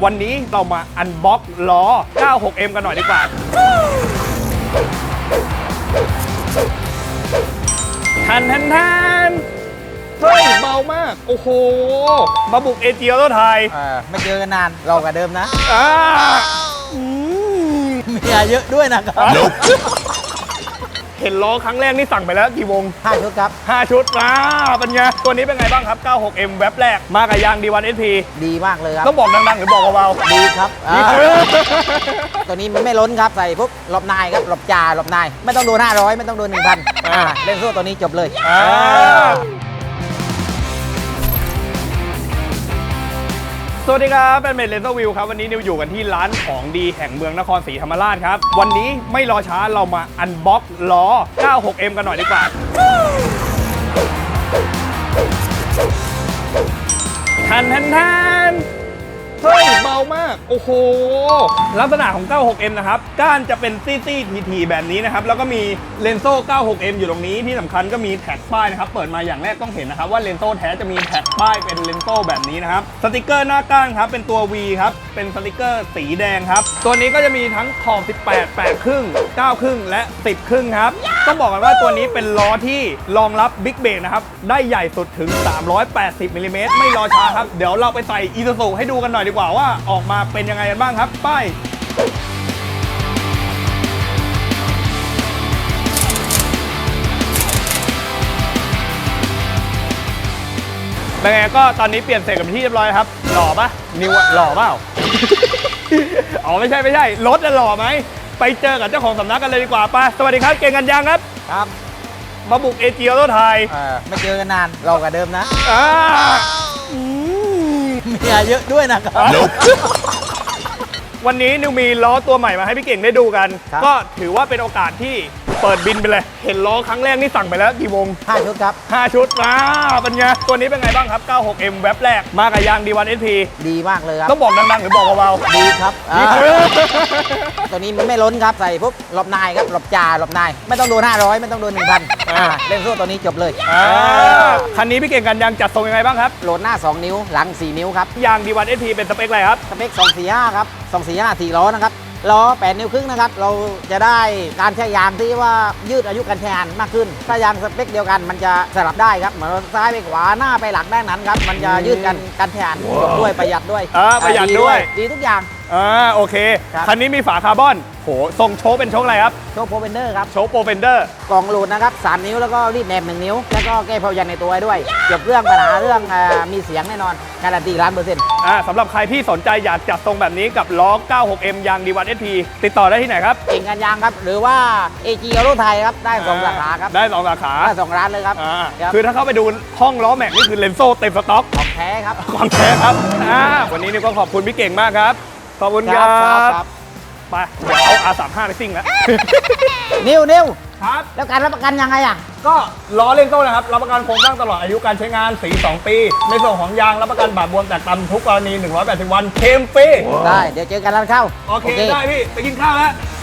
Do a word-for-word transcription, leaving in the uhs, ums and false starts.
วันนี้เรามาอันบ็อกล้อ เก้าหกเอ็ม กันหน่อยดีกว่าทันทันทันเฮ้ยเบามากโอ้โหมาบุกเอเจียแล้วไทยเออไม่เจอกันนานเรากับเดิมนะอ่าเมียเยอะด้วยนะครับเห็นล้อครั้งแรกนี่สั่งไปแล้วกี่วงห้าชุดครับห้าชุดอ่าเป็นไงตัวนี้เป็นไงบ้างครับ เก้าหกเอ็ม แว็บแรกมากับยาง ดี วัน เอส พีดีมากเลยครับต้องบอกดังๆหรือบอกเบาๆดีครับดีอ่าครับตัวนี้มันไม่ล้นครับใส่ปุ๊บหลบนายครับหลบจ่าหลบนายไม่ต้องโดนห้าร้อยไม่ต้องโดนหนึ่งพันเล่นโซ่ตัวนี้จบเลยอ่าสวัสดีครับเป็นเมดเลนเซอร์วิวครับวันนี้นิวอยู่กันที่ร้านของดีแห่งเมืองนครศรีธรรมราชครับวันนี้ไม่รอช้าเรามาอันบ็อกล้อ เก้าหกเอ็ม กันหน่อยดีกว่าทันทันทันเฮ้ยเบามากโอ้โหลักษณะของ เก้าหกเอ็ม นะครับก้านจะเป็นซี่ซี่ทีทีแบบนี้นะครับแล้วก็มีเลนโซ่ เก้าหกเอ็ม อยู่ตรงนี้ที่สำคัญก็มีแท็กป้ายนะครับเปิดมาอย่างแรกต้องเห็นนะครับว่าเลนโซ่แท้จะมีแท็กป้ายเป็นเลนโซ่แบบนี้นะครับสติกเกอร์หน้าก้านครับเป็นตัว V ครับเป็นสติกเกอร์สีแดงครับตัวนี้ก็จะมีทั้งขอบสิบแปด แปดครึ่งเก้าครึ่งและสิบครึ่งครับต้องบอกกันว่าตัวนี้เป็นล้อที่รองรับบิ๊กเบรกนะครับได้ใหญ่สุดถึงสามร้อยแปดสิบมิลลิเมตรไม่รอช้าครับเดี๋ยวเราไปใส่อีซูซูให้ดูกันหน่อยดีกว่าว่าออกมาเป็นยังไงกันบ้างครับไปเป็นไงก็ตอนนี้เปลี่ยนเสร็จกับที่เรียบร้อยครับหล่อปะนิวอะหล่อเปล่า อ๋อไม่ใช่ไม่ใช่รถจะหล่อไหมไปเจอกับเจ้าของสำนักกันเลยดีกว่าไปสวัสดีครับเก่งกันยังครับครับมาบุกเอเจียแล้วไทยเออไม่เจอกันนานเรากับเดิมนะอ่าเมียเยอะด้วยนะครับวันนี้นิวมีล้อตัวใหม่มาให้พี่เก่งได้ดูกันครับก็ถือว่าเป็นโอกาสที่เปิดบินไปเลย เห็นล้อครั้งแรกนี่สั่งไปแล้วกี่วงห้าชุดครับห้าชุดอ่าเป็นไงตัวนี้เป็นไงบ้างครับ เก้าหกเอ็ม แว็บแรกมากับยาง ดี วัน เอส พีดีมากเลยครับต้องบอกดังๆหรือบอกเบาๆดีครับดีอ่าครับตัวนี้มันไม่ล้นครับใส่ปุ๊บหลบนายครับหลบจ่าหลบนายไม่ต้องโดนห้าร้อยไม่ต้องโดนหนึ่งพันเล่นโซ่ตัวนี้จบเลยอ่าคันนี้พี่เก่งกันยังจัดทรงยังไงบ้างครับโหลดหน้าสองนิ้วหลังสี่นิ้วครับยาง ดี วัน เอส พี เป็นสเปคอะไรครับสเปคสองสี่ห้าครับสองสี่ห้าสี่ล้อนะครับล้อแปดนิ้วครึ่งนะครับเราจะได้การใช้ยางที่ว่ายืดอายุการใช้งานมากขึ้นถ้ายางสเปคเดียวกันมันจะสลับได้ครับเหมือนซ้ายไปขวาหน้าไปหลังได้นั้นครับมันจะยืดกันการใช้งานจบด้วยประหยัดด้วยอ่าประหยัดด้วยดีทุกอย่างอ่าโอเคครับคันนี้มีฝาคาร์บอนโหทรงโชคเป็นโชคอะไรครับโชคโปรเฟนเดอร์ครับโชคโปรเฟนเดอร์กล่องโหลดนะครับสามนิ้วแล้วก็รีดแหนบหนึ่งนิ้วแล้วก็แก้เพายันในตัวด้วยเกี่ยวกับเรื่องปัญหาเรื่องอ่ามีเสียงแน่นอนการันตีล้านเปอร์เซ็นต์อ่าสำหรับใครที่สนใจอยากจัดทรงแบบนี้กับล้อ เก้าหกเอ็ม ยาง ดี วัน เอส พี ติดต่อได้ที่ไหนครับเก่งกันยางครับหรือว่าเอจีออโรไทยครับได้สองสาขาครับได้สองสาขาได้สองร้านเลยครับอ่าครับคือถ้าเข้าไปดูห้องล้อแม็กนี่คือเลนโซ่เต็มสต็อกของแท้ครับของแท้ครับอ่าวันนี้นี่ก็ขอบคุณพี่เก่งมากครับ ขอบคุณคครัรับบไปเดี๋ยวเอา อาร์ สามสิบห้า ไปซิ่งแล้วนิวนิวครับแล้วการรับประกันยังไงอ่ะก็ล้อเลนโซ่นะครับรับประกันโครงสร้างตลอดอายุการใช้งานสีสองปี ในส่วนของยางรับประกันบาดบวมแตกตำทุกกรณีหนึ่งร้อยแปดสิบวันเคลมฟรีได้เดี๋ยวเจอกันร้านข้าวโอเคได้พี่ไปกินข้าวแล้ว